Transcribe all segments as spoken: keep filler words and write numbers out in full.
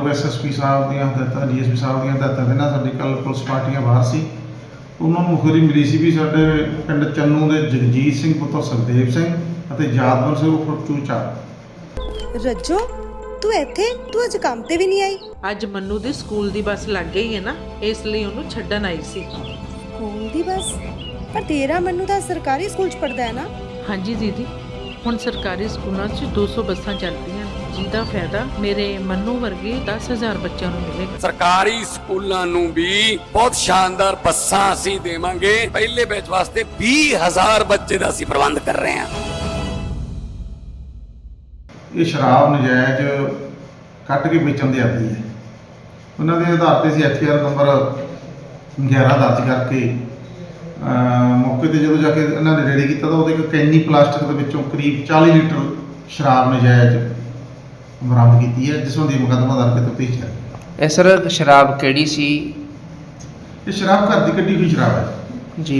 ਮਾਨਯੋਗ S S P ਸਾਹਿਬ ਦੀਆਂ ਹਦਾਇਤਾਂ, ਡੀ ਐਸ ਪੀ ਸਾਹਿਬ ਦੀਆਂ ਹਦਾਇਤਾਂ ਦੇ ਨਾਲ ਸਾਡੀ ਕੱਲ੍ਹ ਪੁਲਿਸ ਪਾਰਟੀਆਂ ਬਾਹਰ ਸੀ। ਉਹਨਾਂ ਨੂੰ ਮੁਖਬਰੀ ਮਿਲੀ ਸੀ ਵੀ ਸਾਡੇ ਪਿੰਡ ਚੰਨੂ ਦੇ ਜਗਜੀਤ ਸਿੰਘ ਪੁੱਤਰ ਸੁਖਦੇਵ ਸਿੰਘ ਅਤੇ ਯਾਦਵਰ ਸਿੰਘ ਉਰਫ ਚੂਚਾ। ਰੱਜੋ, ਤੂੰ ਇੱਥੇ? ਤੂੰ ਅੱਜ ਕੰਮ ਤੇ ਵੀ ਨਹੀਂ ਆਈ? ਅੱਜ ਮੰਨੂ ਦੀ ਸਕੂਲ ਦੀ ਬੱਸ ਲੱਗ ਗਈ ਹੈ ਨਾ, ਇਸ ਲਈ ਉਹਨੂੰ ਛੱਡਣ ਆਈ ਸੀ। ਸਕੂਲ ਦੀ ਬੱਸ? ਪਰ ਤੇਰਾ ਮੰਨੂ ਤਾਂ ਸਰਕਾਰੀ ਸਕੂਲ 'ਚ ਪੜ੍ਹਦਾ ਹੈ ਨਾ? ਹਾਂਜੀ ਦੀਦੀ, ਹੁਣ ਸਰਕਾਰੀ ਸਕੂਲਾਂ 'ਚ ਦੋ ਸੌ ਬੱਸਾਂ ਚੱਲਦੀਆਂ, ਜਿਹਦਾ ਫਾਇਦਾ ਮੇਰੇ ਮੰਨੂ ਵਰਗੇ ਦਸ ਹਜ਼ਾਰ ਬੱਚਿਆਂ ਨੂੰ ਮਿਲੇਗਾ। ਸਰਕਾਰੀ ਸਕੂਲਾਂ ਨੂੰ ਵੀ ਬਹੁਤ ਸ਼ਾਨਦਾਰ ਬੱਸਾਂ ਅਸੀਂ ਦੇਵਾਂਗੇ। ਪਹਿਲੇ ਬੈਚ ਵਾਸਤੇ ਵੀਹ ਹਜ਼ਾਰ ਬੱਚੇ ਦਾ ਅਸੀਂ ਪ੍ਰਬੰਧ ਕਰ ਰਹੇ ਹਾਂ। ਇਹ ਸ਼ਰਾਬ ਨਜਾਇਜ਼ ਕੱਢ ਕੇ ਵੇਚਣ ਦੇ ਆਦੀ ਹੈ। ਉਹਨਾਂ ਦੇ ਆਧਾਰ 'ਤੇ ਅਸੀਂ ਐਫ ਆਈ ਆਰ ਨੰਬਰ ਗਿਆਰਾਂ ਦਰਜ ਕਰਕੇ ਮੌਕੇ 'ਤੇ ਜਦੋਂ ਜਾ ਕੇ ਇਹਨਾਂ ਨੇ ਰੇਡੀ ਕੀਤਾ ਤਾਂ ਉਹਦੇ ਇੱਕ ਕੈਨੀ ਪਲਾਸਟਿਕ ਦੇ ਵਿੱਚੋਂ ਕਰੀਬ ਚਾਲੀ ਲੀਟਰ ਸ਼ਰਾਬ ਨਜਾਇਜ਼ ਬਰਾਮਦ ਕੀਤੀ ਹੈ, ਜਿਸ ਸੰਬੰਧੀ ਮੁਕੱਦਮਾ ਦਰਜ ਕਰਕੇ ਤਫਤੀਸ਼ ਹੈ। ਇਹ ਸਰ ਸ਼ਰਾਬ ਕਿਹੜੀ ਸੀ? ਇਹ ਸ਼ਰਾਬ ਘਰ ਦੀ ਕੱਢੀ ਹੋਈ ਸ਼ਰਾਬ ਹੈ ਜੀ।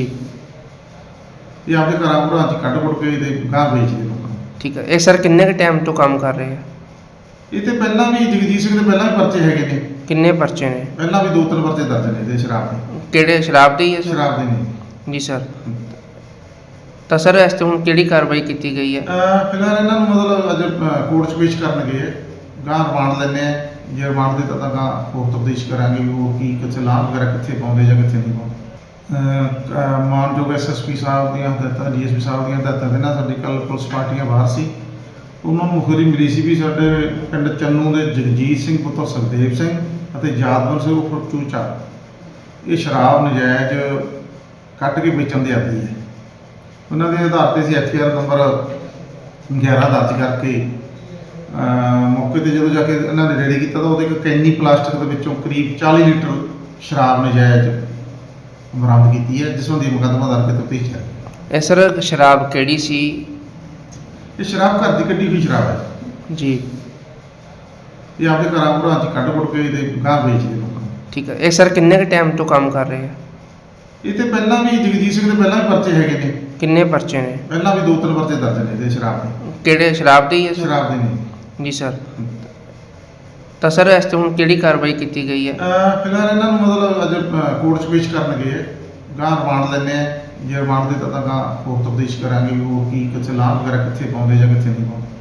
ਇਹ ਆਪਣੇ ਘਰਾਂ ਘਰਾਂ 'ਚ ਕੱਢ ਕੁੱਟ ਕੇ ਇਹਦੇ ਗਾਹ ਵੇਚਦੇ ਲੋਕਾਂ ਨੂੰ। ਠੀਕ ਹੈ। ਇਹ ਸਰ ਕਿੰਨੇ ਕੁ ਟਾਈਮ ਤੋਂ ਕੰਮ ਕਰ ਰਹੇ ਆ? ਇਹ ਤੇ ਪਹਿਲਾਂ ਵੀ ਜਗਜੀਤ ਸਿੰਘ ਦੇ ਪਹਿਲਾਂ ਵੀ ਪਰਚੇ ਹੈਗੇ ਨੇ। ਕਿੰਨੇ ਪਰਚੇ ਨੇ? ਪਹਿਲਾਂ ਵੀ ਦੋ ਤਿੰਨ ਪਰਚੇ ਦਰਜ ਨੇ ਇਹਦੇ ਸ਼ਰਾਬ ਦੇ। ਕਿਹੜੇ ਸ਼ਰਾਬ ਦੇ ਹੀ ਹੈ ਸਰ? ਸ਼ਰਾਬ ਦੇ ਨੇ ਜੀ ਸਰ। ਤਾਂ ਸਰ ਇਸ ਤੇ ਹੁਣ ਕਿਹੜੀ ਕਾਰਵਾਈ ਕੀਤੀ ਗਈ ਹੈ? ਅਹ ਫਿਲਹਾਲ ਇਹਨਾਂ ਨੂੰ ਮਤਲਬ ਅੱਜ ਕੋਰਟ 'ਚ ਪੇਸ਼ ਕਰਨਗੇ। ਗਾਂ ਰਿਮਾਂਡ ਲੈਂਦੇ ਆ, ਜੇ ਰਿਮਾਂਡ ਦੇ ਤਾਂ ਗਾਂ ਹੋਰ ਤਫਤੀਸ਼ ਕਰਾਂਗੇ ਵੀ ਹੋਰ ਕੀ ਕਿੱਥੇ ਲਾਭ ਵਗੈਰਾ ਕਿੱਥੇ ਪਾਉਂਦੇ ਜਾਂ ਕਿੱਥੇ ਨਹੀਂ ਪਾਉਂਦੇ। ਅਹ ਮਾਨਯੋਗ ਐਸ ਐਸ ਪੀ ਸਾਹਿਬ ਦੀਆਂ ਹਦਾਇਤਾਂ, ਡੀ ਐਸ ਪੀ ਸਾਹਿਬ ਦੀਆਂ ਹਦਾਇਤਾਂ ਦੇ ਨਾਲ ਸਾਡੀ ਕੱਲ੍ਹ ਪੁਲਿਸ ਪਾਰਟੀਆਂ ਬਾਹਰ ਸੀ। ਉਹਨਾਂ ਨੂੰ ਮੁਖਬਰੀ ਮਿਲੀ ਸੀ ਵੀ ਸਾਡੇ ਪਿੰਡ ਚੰਨੂ ਦੇ ਜਗਜੀਤ ਸਿੰਘ ਪੁੱਤਰ ਸੁਖਦੇਵ ਸਿੰਘ ਅਤੇ ਯਾਦਵਰ ਸਿੰਘ ਉਰਫ ਚੂਚਾ ਇਹ ਸ਼ਰਾਬ ਨਜਾਇਜ਼ ਕੱਢ ਕੇ ਵੇਚਣ ਦੇ ਆਦੀ ਹੈ। ਉਹਨਾਂ ਦੇ ਆਧਾਰ 'ਤੇ ਅਸੀਂ ਐਫ ਆਈ ਆਰ ਨੰਬਰ ਗਿਆਰਾਂ ਦਰਜ ਕਰਕੇ ਮੌਕੇ 'ਤੇ ਜਦੋਂ ਜਾ ਕੇ ਇਹਨਾਂ ਨੇ ਰੇਡੀ ਕੀਤਾ ਤਾਂ ਉਹਦੇ ਇੱਕ ਕੈਨੀ ਪਲਾਸਟਿਕ ਦੇ ਵਿੱਚੋਂ ਕਰੀਬ ਚਾਲੀ ਲੀਟਰ ਸ਼ਰਾਬ ਨਜਾਇਜ਼ ਬਰਾਮਦ ਕੀਤੀ ਹੈ, ਜਿਸ ਸੰਬੰਧੀ ਮੁਕੱਦਮਾ ਦਰਜ ਕਰਕੇ ਤਫਤੀਸ਼ ਹੈ। ਇਹ ਸਰ ਸ਼ਰਾਬ ਕਿਹੜੀ ਸੀ? ਇਹ ਸ਼ਰਾਬ ਘਰ ਦੀ ਕੱਢੀ ਹੋਈ ਸ਼ਰਾਬ ਹੈ ਜੀ। ਇਹ ਆਪਣੇ ਘਰਾਂ ਘਰਾਂ 'ਚ ਕੱਢ ਕੁੱਟ ਕੇ ਇਹਦੇ ਗਾਹ ਵੇਚਦੇ ਲੋਕਾਂ ਨੂੰ। ਠੀਕ ਹੈ। ਇਹ ਸਰ ਕਿੰਨੇ ਕੁ ਟਾਈਮ ਤੋਂ ਕੰਮ ਕਰ ਰਹੇ ਆ? ਇਹ ਤੇ ਪਹਿਲਾਂ ਵੀ ਜਗਜੀਤ ਸਿੰਘ ਦੇ ਪਹਿਲਾਂ ਵੀ ਪਰਚੇ ਹੈਗੇ ਨੇ। ਕਿੰਨੇ ਪਰਚੇ ਨੇ? ਪਹਿਲਾਂ ਵੀ ਦੋ ਤਿੰਨ ਪਰਚੇ ਦਰਜ ਨੇ ਇਹਦੇ ਸ਼ਰਾਬ ਦੇ। ਕਿਹੜੇ ਸ਼ਰਾਬ ਦੇ ਹੀ ਹੈ ਸਰ? ਸ਼ਰਾਬ ਦੇ ਨੇ ਜੀ ਸਰ। ਤਾਂ ਸਰ ਇਸ ਤੇ ਹੁਣ ਕਿਹੜੀ ਕਾਰਵਾਈ ਕੀਤੀ ਗਈ ਹੈ? ਅਹ ਫਿਲਹਾਲ ਇਹਨਾਂ ਨੂੰ ਮਤਲਬ ਅੱਜ ਕੋਰਟ 'ਚ ਪੇਸ਼ ਕਰਨਗੇ। ਗਾਂ ਰਿਮਾਂਡ ਲੈਂਦੇ ਆ, ਜੇ ਰਿਮਾਂਡ ਦੇ ਤਾਂ ਗਾਂ ਹੋਰ ਤਫਤੀਸ਼ ਕਰਾਂਗੇ ਵੀ ਹੋਰ ਕੀ ਕਿੱਥੇ ਲਾਭ ਵਗੈਰਾ ਕਿੱਥੇ ਪਾਉਂਦੇ ਜਾਂ ਕਿੱਥੇ ਨਹੀਂ ਪਾਉਂਦੇ।